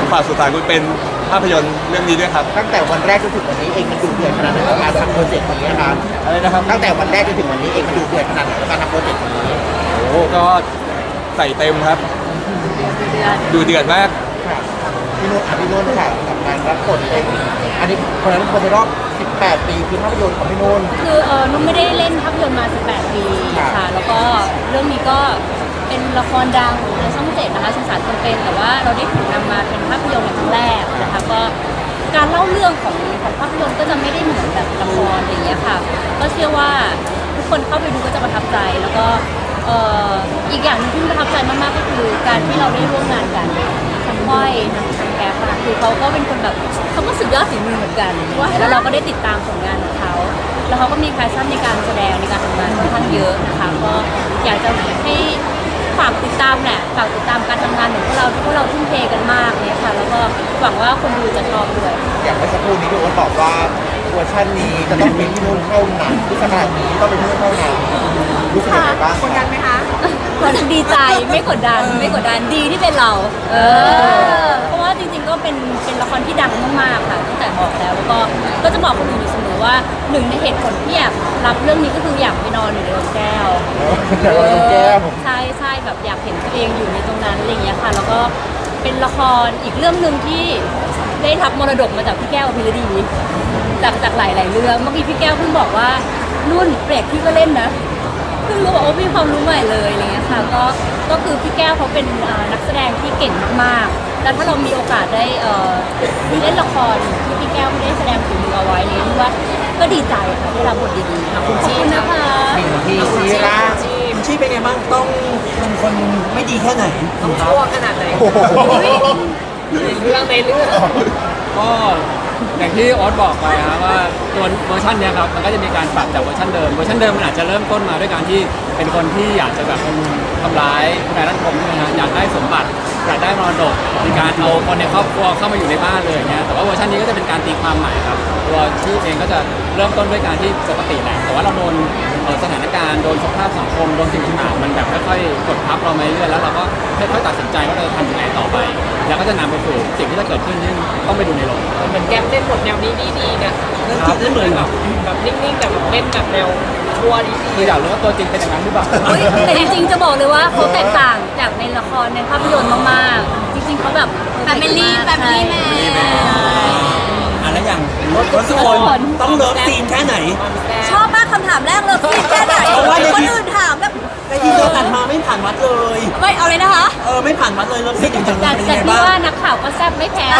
ฝากสุสานคุณเป็นภาพยนตร์เรื่องนี้ด้วยครับตั้งแต่วันแรกจนถึงวันนี้เองมันดูเดือดขนาดไหนกับการทำโปรเจกต์นี้ครับอะไรนะครับตั้งแต่วันแรกจนถึงวันนี้เองมันดูเดือดขนาดไหนกับการทำโปรเจกต์นี้โอ้ก็ใส่เต็มครับดูเดือดมากพี่นุ่นค่ะกับการรับบทเองอันนี้คนนั้นคนในรอบ18 ปีคือภาพยนตร์ของพี่นุ่นคือนุ่นไม่ได้เล่นภาพยนตร์มา18 ปีค่ะแล้วก็เรื่องนี้ก็เป็นละครดังในช่อง7นะคะสุสานคนเป็นแต่ว่าเราได้ถูกนำมาเป็นภาพยนตร์ในครั้งแรกนะคะก็การเล่าเรื่องของภาพยนตร์ก็จะไม่ได้เหมือนแบบละครอย่างเงี้ยค่ะก็เชื่อว่าทุกคนเข้าไปดูก็จะประทับใจแล้วก็อีกอย่างที่ประทับใจมากๆก็คือการที่เราได้ร่วมงานกันทั้งก้อยทั้งแก๊ปคือเขาก็เป็นคนแบบเขาก็สุดยอดฝีมือเหมือนกันแล้วเราก็ได้ติดตามผลงานของเขาแล้วเขาก็มีแพชชั่นในการแสดงในการทำงานค่อนข้างเยอะนะคะก็อยากจะให้ฝากติดตามแหละฝากติดตามการทำงานของพวกเราทุ่มเทกันมากเลยค่ะแล้วก็หวังว่าคนดูจะชอบด้วยอย่างเมื่อสักครู่นี้พี่โอ๊ตบอกว่าเวอร์ชันนี้จะต้องเป็นพี่นุ่นเท่านั้นที่ขนาดนี้ต้องเป็นพี่นุ่นเท่านั้นรู้สึกยังไงบ้างกดดันไหมคะก็ดีใจไม่กดดันดีที่เป็นเราเพราะว่าจริงๆก็เป็นละครที่ดังมากๆค่ะตั้งแต่บอกแล้วก็จะบอกคนอื่นอยู่เสมอว่าหนึ่งในเหตุผลที่อยากรับเรื่องนี้ก็คืออยากไปนอนอยู่ในโรงแก้วใช่แบบอยากเห็นตัวเองอยู่ในตรงนั้นอะไรอย่างเงี้ยค่ะแล้วก็เป็นละครอีกเรื่องหนึ่งที่ได้รับมรดกมาจากพี่แก้วพิรดีจากหลายๆเรื่องเมื่อกี้พี่แก้วเพิ่งบอกว่านุ่นเปรกพี่ก็เล่นนะเพิ่งรู้ว่ามีความรู้ใหม่เลยอะไรเงี้ยค่ะก็คือพี่แก้วเขาเป็นนักแสดงที่เก่งมากๆแล้วถ้าเรามีโอกาสได้เล่นละครที่พี่แก้วไม่ได้แสดงฝีมือเอาไว้เนี่ยว่าก็ดีใจค่ะที่รับบทดีๆขอบคุณนะคะพี่ชี้เป็นไงบ้างต้องเป็นคนไม่ดีแค่ไหนต้องชั่วขนาดไหนในเรื่องก็อย่างที่โอ๊ตบอกไปครับว่าตัวเวอร์ชันเนี้ยครับมันก็จะมีการปรับจากเวอร์ชันเดิมมันอาจจะเริ่มต้นมาด้วยการที่เป็นคนที่อยากจะแบบทำร้ายคุณนายรัตน์พงศ์ใช่ไหมฮะอยากได้สมบัติอยากได้มรดกมีการเอาคนในครอบครัวเข้ามาอยู่ในบ้านเลยอย่างเงี้ยแต่ว่าเวอร์ชันนี้ก็จะเป็นการตีความใหม่ครับตัวชื่อเองก็จะเริ่มต้นด้วยการที่ปกติแหละแต่ว่าเราโดนสถานการณ์โดนสภาพสังคมโดนสิ่งต่างๆมันแบบค่อยๆกดทับเรามาเรื่อยๆแล้วเราก็ค่อยๆตัดสินใจว่าเราจะทำยังไงต่อไปแล้วก็จะนำไปสู่สิ่งที่จะเกิดขึ้นที่ต้องไปดูในโรงเหมือนแก๊ปเล่นบทแนวนี้ดีเนี่ยเรื่องจริงเหมือนแบบนิ่งๆแต่แบบเล่นแบบแนวชั่วดีคืออยากรู้ว่าตัวจริงเป็นอย่างนั้นหรือเปล่าแต่จริงๆจะบอกเลยว่าเขาแตกต่างจากในละครในภาพยนตร์มากๆจริงๆเขาแบบแฟมิลี่แมนแล้วอย่างรถสุคนต้องเลิฟซีนแค่ไหนชอบมากคำถามแรกเลยซีนแค่ไหนคนอื่นถามแบบในที่เราตัดมาไม่ผ่านวัดเลยไม่เอาเลยนะคะไม่ผ่านวัดเลยเลิฟซีนจริงๆแต่ที่ว่านักข่าวก็แซ่บไม่แพ้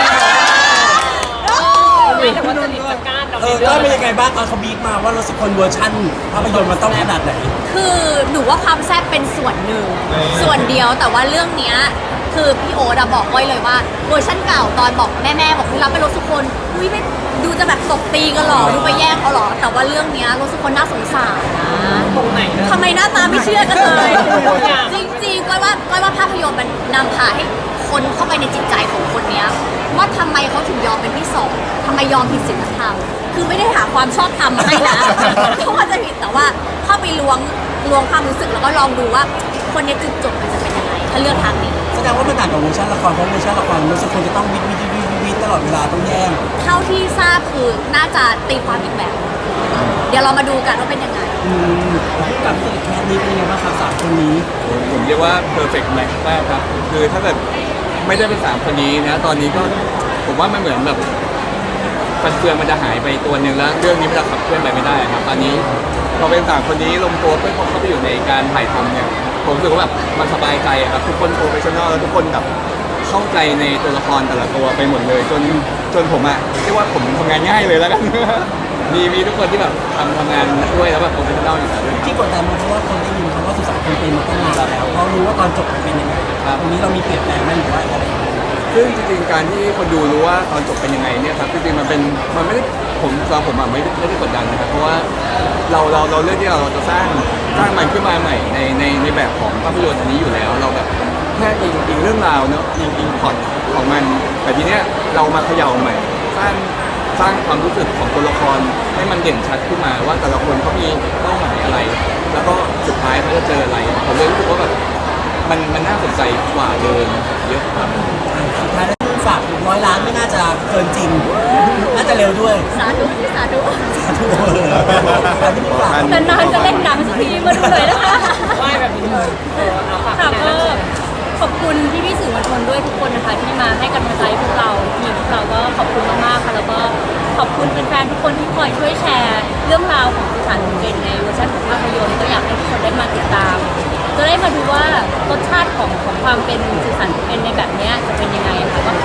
แต่ว่าสนิทกับการเราก็เป็นยังไงบ้างตอนเขาบีบมาว่ารถสุคนเวอร์ชั่นภาพยนตร์มันต้องขนาดไหนคือหนูว่าความแซ่บเป็นส่วนหนึ่งส่วนเดียวแต่ว่าเรื่องเนี้ยคือพี่โอ๊ตบอกไว้เลยว่าเวอร์ชั่นเก่าตอนบอกแม่บอกรับไปรถสุคนอุ้ยไม่ดูจะแบบตบตีกันหรอดูไปแย่งเขาหรอแต่ว่าเรื่องเนี้ยรถสุคนน่าสงสารนะตรงไหนทำไมหน้าตาไม่เชื่อกันเลยจริงๆก้อยว่าภาพยนตร์มันนำพาให้คนเข้าไปในจิตใจของคนเนี้ยว่าทำไมเขาถึงยอมเป็นที่สองทำไมยอมผิดศีลธรรมคือไม่ได้หาความชอบธรรมมาให้นะเขาว่าจะผิดแต่ว่าเข้าไปล้วงความรู้สึกแล้วก็ลองดูว่าคนนี้จุดจบมันจะเป็นยังไงถ้าเลือกทางนี้แสดงว่ามันต่างกับเวอร์ชันละครเพราะเวอร์ชันละครรู้สึกคนจะต้องวิตลอดเวลาต้องแย่งเท่าที่ทราบคือน่าจะตีความอีกแบบเดี๋ยวเรามาดูกันว่าเป็นยังไงกับตัวแคสนี้เป็นยังไงบ้างครับสามคนนี้ผมเรียกว่า perfect match มากครับคือถ้าเกิดไม่ได้เป็น3คนนี้นะตอนนี้ก็ผมว่ามันเหมือนแบบฟันเฟืองมันจะหายไปตัวหนึ่งแล้วเรื่องนี้มันจะขับเคลื่อนไปไม่ได้ครับตอนนี้พอเป็น3คนนี้ลงตัวเพื่อเข้าไปอยู่ในการถ่ายทำเนี่ยผมรู้สึกว่าแบบมันสบายใจครับทุกคนโปรเฟชชั่นอลแล้วทุกคนแบบเข้าใจในตัวละครแต่ละตัวไปหมดเลยจนผมเรียกว่าผมทำงานง่ายเลยแล้วกันมีทุกคนที่แบบทำงานด้วยแล้วแบบโปรเฟชชั่นอลอยู่แล้วที่กดดันเพราะว่าคนได้ยินคำว่าสุสานคนเป็นมาตั้งนานแล้วเรารู้ว่าตอนจบมันเป็นยังไงตรงนี้เรามีเปลี่ยนแปลงไหมหรือว่าอะไรซึ่งจริงๆการที่คนดูรู้ว่าตอนจบเป็นยังไงเนี่ยครับจริงๆมันไม่ได้ผมไม่ได้กดดันนะครับเพราะว่าเราเลือกที่เราจะสร้างมันขึ้นมาใหม่ในแบบของภาพยนตร์อันนี้อยู่แล้วเราแบบแค่อิงเรื่องราวเนาะอิงพล็อตของมันแต่ทีเนี้ยเรามาเขย่าใหม่สร้างความรู้สึกของตัวละครให้มันเด่นชัดขึ้นมาว่าแต่ละคนเขามีเป้าหมายอะไรแล้วก็สุดท้ายเขาจะเจออะไรผมเลยรู้สึกว่าแบบมันน่าสนใจกว่าเดิมเยอะครับสุดท้ายแล้วเร็วด้วยสาธุสาธุอันนี้พี่ฝากนานๆจะเล่นหนังสักทีมาดูหน่อยนะคะไม่แบบนี้เอาฝากค่ะงานก็แล้วขอบคุณพี่ๆสื่อมวลชนด้วยทุกคนนะคะที่มาให้กำลังใจพวกเราทีมพวกเราก็ขอบคุณมากๆค่ะแล้วก็ขอบคุณแฟนๆทุกคนที่คอยช่วยแชร์เรื่องราวของสุสานเป็นในเวอร์ชันของภาพยนตร์ก็อยากให้ทุกคนได้มาติดตาม จะได้มาดูว่ารสชาติของความเป็นสุสานเป็นในแบบเนี้ยจะเป็นยังไงค่ะก็